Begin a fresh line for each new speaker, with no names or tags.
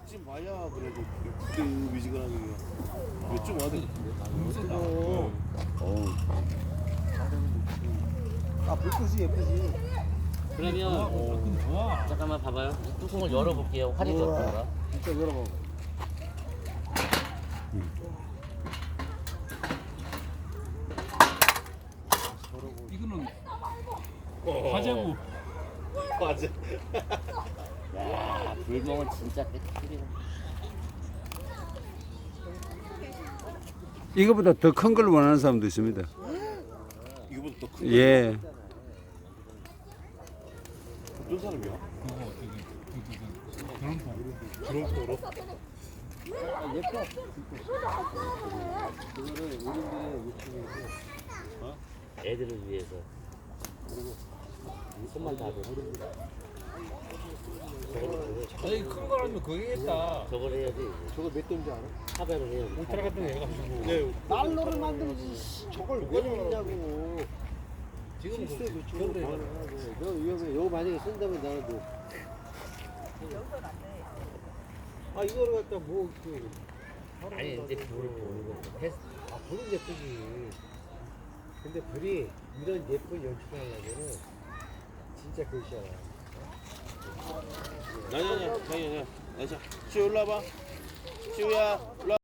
100쯤 와야 그래도 그때 미지근하게 몇 쯤 와야 되겠는데.
아 불꽃이 예쁘지.
그러면 잠깐만 봐봐요. 뚜껑을 열어볼게요. 화력이 어떤가?
진짜 열어봐.
이거는 과자고.
맞아.
야, 불멍은 진짜 깨끗이네.
이거보다 더 큰 걸 원하는 사람도 있습니다.
이거보다 더 큰.
예.
어떤 사람이야?
그거 그런 거.
그런 거로?
아 예뻐. 그거를 어른들의 욕심이고.
애들을 위해서. 손만 다 줘.
아니 큰 거라면 그게겠다.
저걸 해야지.
저거 몇 돈인지 알아?
하배를 해야지.
울트라 같은 거 해가지고.
네.
달러를 만들지. 씨, 저걸 왜 넣냐고.
지금
실수에 놓치고 그만하고. 너 위험해. 이거 만약에 쓴다면 나는 뭐. 아 이거를 갖다 뭐 그.
아니 이제 불을 보는 거.
아 불은 예쁘지. 근데 불이 이런 예쁜 연출을 하려면은 진짜 글씨야.
아니야. 시우 일로 와봐. 시우야 일로 와.